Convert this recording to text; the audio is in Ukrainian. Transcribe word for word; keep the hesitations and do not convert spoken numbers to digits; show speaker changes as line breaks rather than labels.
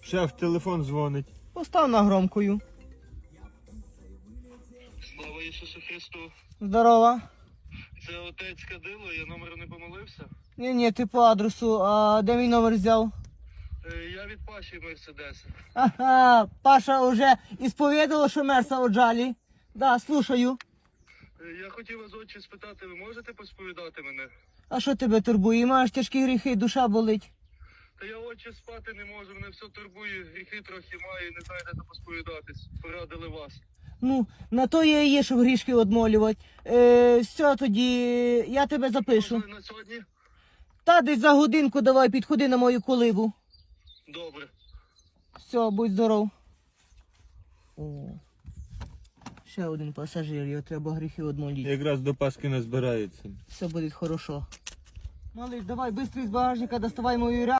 Шеф, телефон дзвонить.
Постав на громкою.
Слава Ісусу Христу.
Здорова.
Це отець Кадило, я номер не помилився.
Ні, ні, ти по адресу. А де мій номер взяв?
Е, Я від Паші Мерседеса.
Ага, Паша вже ісповідала, що мерса оджалі. Да, слушаю.
Е, Я хотів вас, отче, спитати, ви можете посповідати мене?
А що тебе турбує? Маєш тяжкі гріхи, душа болить.
Та я, отче, спати не можу, мене все турбує, гріхи трохи маю, не знаю, де посповідатись. Порадили вас.
Ну, на то я і є, щоб грішки одмолювати. Е, все, тоді я тебе запишу.
Можливо, на сьогодні?
Та десь за годинку давай підходи на мою колибу.
Добре.
Все, будь здоров. О, ще один пасажир, його треба гріхи одмолити.
Якраз до Пасхи назбирається.
Все буде хорошо. Малий, давай, швидко з багажника доставай мою ря.